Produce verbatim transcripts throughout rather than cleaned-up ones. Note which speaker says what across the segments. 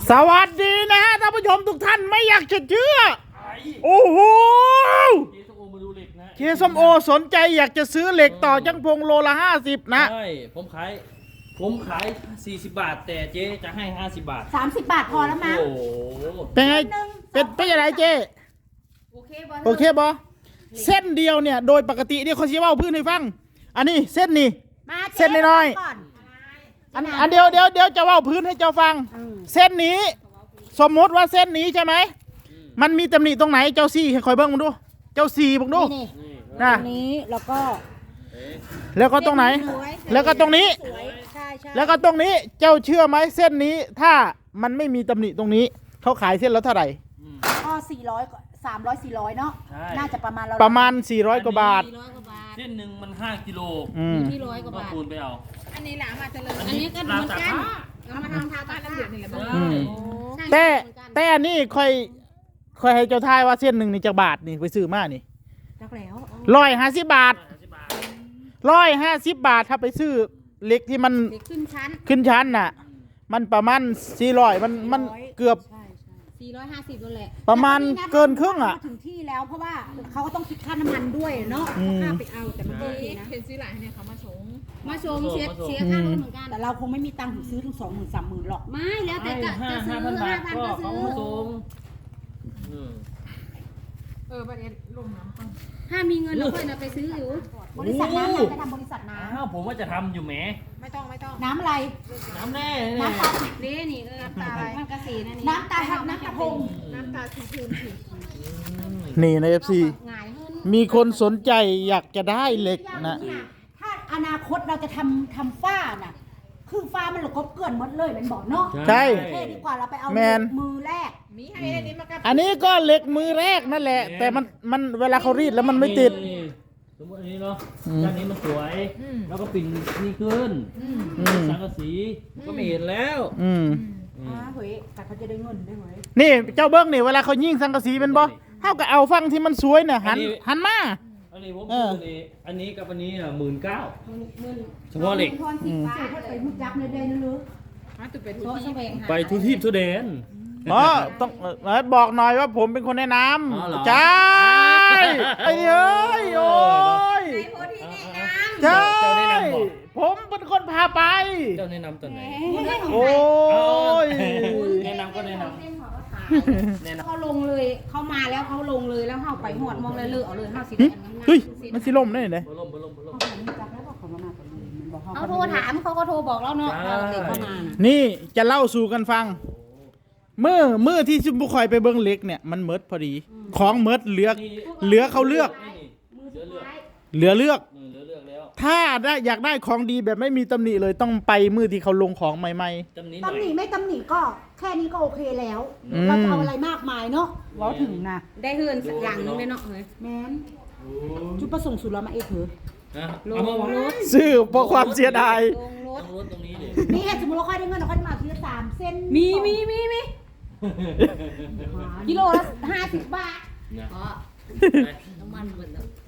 Speaker 1: สวัสดีนะฮะท่านผู้ชมทุกท่านไม่อยากจะเชื่อโอ้โหเคส้มโอสนใจอยากจะซื้อเหล็กต่อจังพงโลละห้าสิบนะ
Speaker 2: ใช่ผมขายผมขายสี่สิบบาทแต่เจ๊จะให้ห้าสิบบาท
Speaker 3: สามสิบบาทพอแล้วมั้ง
Speaker 2: โอ้โห
Speaker 1: เป็นไงเป็นเป็นยังไงเจ๊
Speaker 3: โอเคบอ
Speaker 1: โอเคบอเส้นเดียวเนี่ยโดยปกติเนี่ยเขาชี้ว่าพื้นให้ฟังอันนี้เส้นนี้เส้นน้อยอันอันเดียวเดียวเดียวจะว่าพื้นให้เจ้าฟังเส้นนี้สมมติว่าเส้นนี้ใช่ไหมมันมีตำหนิตรงไหนเจ้าซี่ให้คอยเบิ้งมึงดูเจ้าซี่มึงดูนะ
Speaker 3: ตรงนี้แล้วก็
Speaker 1: แล้วก็ตรงไหนแล้วก็ตรงนี้แล้วก็ตรงนี้เจ้าเชื่อไหมเส้นนี้ถ้ามันไม่มีตำหนิตรงนี้เขาขายเส้นแล้วเท่าไหร่
Speaker 3: ก็สี่ร้อยสามร้อยสี่ร้อยเนาะน่าจะประมาณเรา
Speaker 1: ประมาณสี่ร้อยกว่าบาท
Speaker 2: เส้นหนึ่งมันห้ากิโล
Speaker 3: ที่ร้อยกว่าบาท
Speaker 2: คูณไปเอา
Speaker 4: อันนี้หลามาเจริญอันนี้ก็เหมือนกันเรามาทำทาบ้านน้ำเดือดนี่แหละ
Speaker 1: แต่แต่อันนี้ค่อยค่อยให้เจ้าทายว่าเส้นหนึ่งนี่จากบาทนี่ไปซื้อมานี่
Speaker 3: จักแล้ว
Speaker 1: ร้อยห้าสิบบาทร้อยห้าสิบบาทถ้าไปซื้อเหล็กที่มัน
Speaker 3: ขึ้นชั้น
Speaker 1: ขึ้นชั้นน่ะมันประมาณสี่ร้อยมันมันเกือบ
Speaker 3: สี่ร้อยห้าสิบนั่นแหละ
Speaker 1: ประมาณเกินครึ่งอ่ะ
Speaker 3: ถึงที่แล้วเพราะว่าเขาก็ต้องคิดค่าน้ำมันด้วยเนาะค่าไปเอาแต่มันก็ดีนะ
Speaker 4: เห็นซื้อหลายเนี่ยเขามาชง
Speaker 3: มาชมเสียเสียค่ารถเหมือนกันแต่เราคงไม่มีตังค์ถึงซื้อถึงสองหมื่นสามหมื่นหรอกไม่แล้วแต่จะจะซื้อห้าพันก็ซื้อ
Speaker 4: เออประเด็นลงน้ำก่อน
Speaker 3: ถ้ามีเงินเราค่อยนะไปซื้ออยู่บริษัทน้ำจะทำบริษัทน้ำ
Speaker 2: อ้าวผมว่าจะทำอยู่แหม
Speaker 4: ไม่ต้องไม่ต้อง
Speaker 3: น้ำอะไร
Speaker 2: น้ำแน่
Speaker 3: น้ำตาเล่นี่น้ำตามันกระสีนั่นนี่น้ำตาครับน้ำตาพง
Speaker 4: น้ำตาสีพูนสี
Speaker 1: นี่ใน เอฟ ซี มีคนสนใจอยากจะได้เหล็กนะ
Speaker 3: ถ้าอนาคตเราจะทำทำฝ้าน่ะคือฟ้ามันหลุดก็เกลื่อนหมดเลยเป็นบ่อเนาะ
Speaker 1: ใช่
Speaker 3: เท่ดีกว่าเราไปเอามือแรก
Speaker 4: มีให้อันนี้มากับ
Speaker 1: อันนี้ก็เหล็กมือแรกนั่นแหละแต่มันมันเวลาเขารีดแล้วมันไม่ติด
Speaker 2: สมมติอันนี้เนาะด้านนี้มันสวยแล้วก็ปิ่นนี่ขึ้นสังกะสีก็ไม่เห็นแล้ว
Speaker 1: อืม
Speaker 3: อ่าเฮ้ยแต่เขาจะได้เงินได้ไหม
Speaker 1: นี่เจ้าเบิ้งนี่เวลาเขายิงสังกะสีเป็นบ่เท่ากับเอาฟังที่มันสวยเนี่ยหันหันมา
Speaker 2: อันนี้ผมซื้อนี่อันนี้กับอันนี้อ่ะหมื่นเก้าเฉพาะเหล็ก
Speaker 3: ไปมุดยักษ์ในเดนนั่นหรือ
Speaker 2: ไปทุทีบทุเดน
Speaker 1: อ๋อต้องบอกหน่อยว่าผมเป็นคนแนะนำใช่ไอ้เอ้ยโอ้ยใช่ผมเป็นคนพาไป
Speaker 2: เจ้าแนะนำตัวไหน
Speaker 1: โอ้ย
Speaker 2: แนะนำก็แนะน
Speaker 3: ำเขาลงเลยเขามาแล้วเขาลงเลยแล้วเขาไปหอดมองเลยเลือเอาเลยห้าสิบ
Speaker 1: เฮ้ยมันสิลมได้ไหน
Speaker 3: เขาโทรถามเขาก็โทรบอกแล้วเนาะ
Speaker 1: นี่จะเล่าสู่กันฟังเมื่อเมื่อที่ซุมบุคอยไปเบิ้งเล็กเนี่ยมันเมิดพอดีของเมิดเหลือเหลือเขาเลือกเหลือเลือกถ้าได้อยากได้ของดีแบบไม่มีตำหนิเลยต้องไปมือที่เขาลงของใหม่ๆ
Speaker 3: ตำหนิไม่ตำหนิก็แค่นี้ก็โอเคแล้วเราจะเอาอะไรมากมายเนาะเราถึงนะได้เฮือนหลังนึงได้เนาะเฮ้ยแม่นจุดประสงค์สุดเรามาเอเถอะ
Speaker 2: ลงรถ
Speaker 1: ซื้อเพราะความเสียดาย
Speaker 2: ลงรถตรงนี้เลย
Speaker 3: นี่สมมติเราค่อยได้เงินเราค่อยมาทีละสามเส้นมีมีมีมีกิโลละห้าสิบบาทอ๋อน้ำมันเหมือนเดิม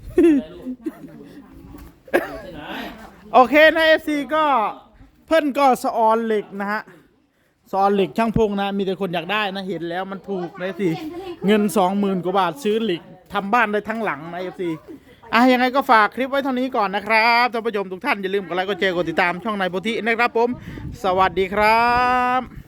Speaker 1: โอเคนะ เอฟ ซี ก็เพิ่นก็สออนเหล็กนะฮะสออนเหล็กช่างพงนะมีแต่คนอยากได้นะเห็นแล้วมันถูกนะสิเงินสองหมื่นกว่าบาทซื้อเหล็กทำบ้านได้ทั้งหลังนะ เอฟ ซี อ่ะยังไงก็ฝากคลิปไว้เท่านี้ก่อนนะครับท่านผู้ชมทุกท่านอย่าลืมกดไลค์กดแชร์กดติดตามช่องนายโพธินะครับผมสวัสดีครับ